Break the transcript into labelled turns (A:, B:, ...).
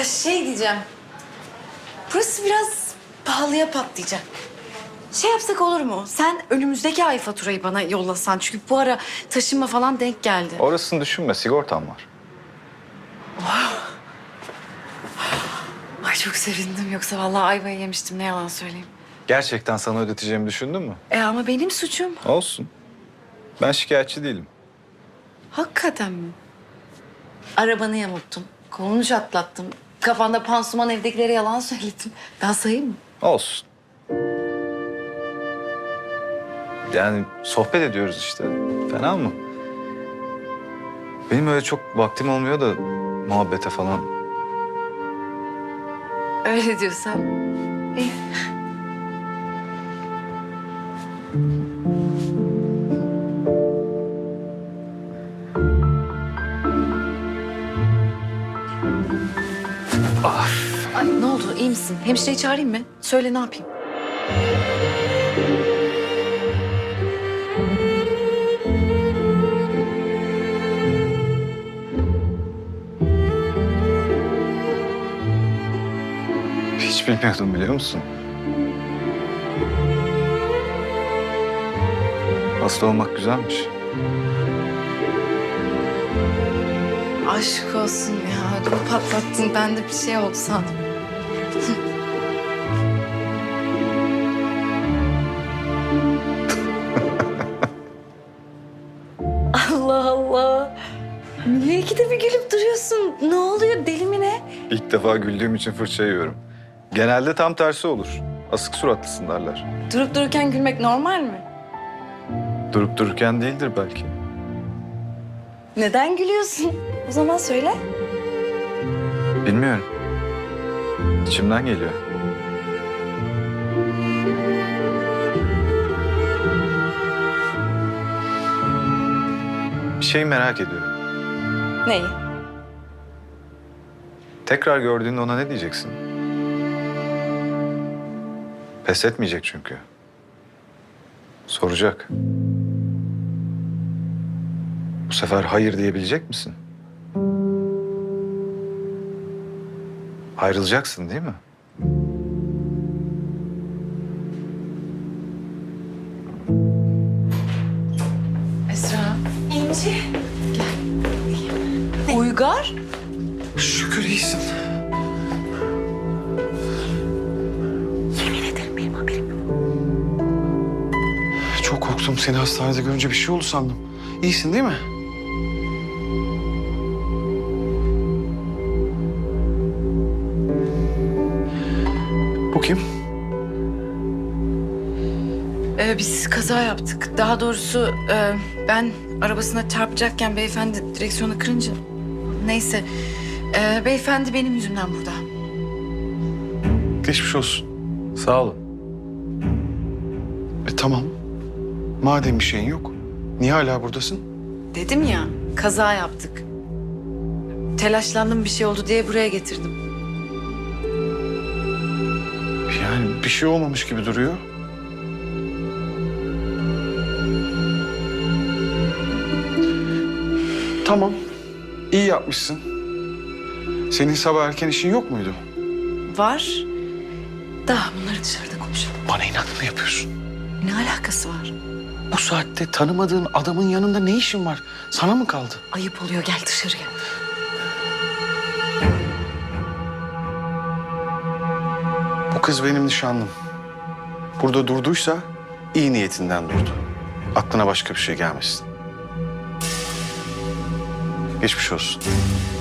A: şey diyeceğim. Burası biraz pahalıya patlayacak. Şey yapsak olur mu? Sen önümüzdeki ay faturayı bana yollasan. Çünkü bu ara taşınma falan denk geldi.
B: Orasını düşünme, sigortam var.
A: Ay çok sevindim. Yoksa vallahi ayvayı yemiştim. Ne yalan söyleyeyim.
B: Gerçekten sana ödeteceğimi düşündün mü?
A: Ama benim suçum.
B: Olsun. Ben şikayetçi değilim.
A: Hakikaten mi? Arabanı yamulttum. Kolunu çatlattım. Kafanda pansuman, evdekilere yalan söyledim. Ben sayayım mı?
B: Olsun. Yani sohbet ediyoruz işte. Fena mı? Benim öyle çok vaktim olmuyor da muhabbete falan.
A: Öyle diyorsan. İyi. Ay ne oldu? İyi misin? Hemşireyi çağırayım mı? Söyle ne yapayım?
B: Hiç bilmiyordum biliyor musun? Hasta olmak güzelmiş.
A: Aşk olsun ya. Ödümü patlattın. Ben de bir şey oldu sandım. Allah Allah. Niye ikide bir gülüp duruyorsun? Ne oluyor? Deli mi ne?
B: İlk defa güldüğüm için fırça yiyorum. Genelde tam tersi olur. Asık suratlısın derler.
A: Durup dururken gülmek normal mi?
B: Durup dururken değildir belki.
A: Neden gülüyorsun? O zaman söyle.
B: Bilmiyorum. İçimden geliyor. Bir şeyi merak ediyorum.
A: Neyi?
B: Tekrar gördüğünde ona ne diyeceksin? Pes etmeyecek çünkü. Soracak. Bu sefer hayır diyebilecek misin? Ayrılacaksın değil mi?
A: Esra. İnci. Gel. Uygar.
C: Şükür iyisin.
A: Yemin ederim benim haberim yok.
C: Çok korktum. Seni hastanede görünce bir şey oldu sandım. İyisin değil mi? Bu kim?
A: Biz kaza yaptık. Daha doğrusu ben arabasına çarpacakken beyefendi direksiyonu kırınca... Neyse. Beyefendi benim yüzümden burada.
C: Geçmiş olsun.
B: Sağ olun.
C: Tamam. Madem bir şeyin yok, niye hala buradasın?
A: Dedim ya, kaza yaptık. Telaşlandım bir şey oldu diye buraya getirdim.
C: Yani bir şey olmamış gibi duruyor. Tamam. İyi yapmışsın. Senin sabah erken işin yok muydu?
A: Var. Daha bunları dışarıda konuşalım.
C: Bana inat mı yapıyorsun?
A: Ne alakası var?
C: Bu saatte tanımadığın adamın yanında ne işin var? Sana mı kaldı?
A: Ayıp oluyor, gel dışarıya.
C: Bu kız benim nişanlım. Burada durduysa iyi niyetinden durdu. Aklına başka bir şey gelmesin. Geçmiş olsun.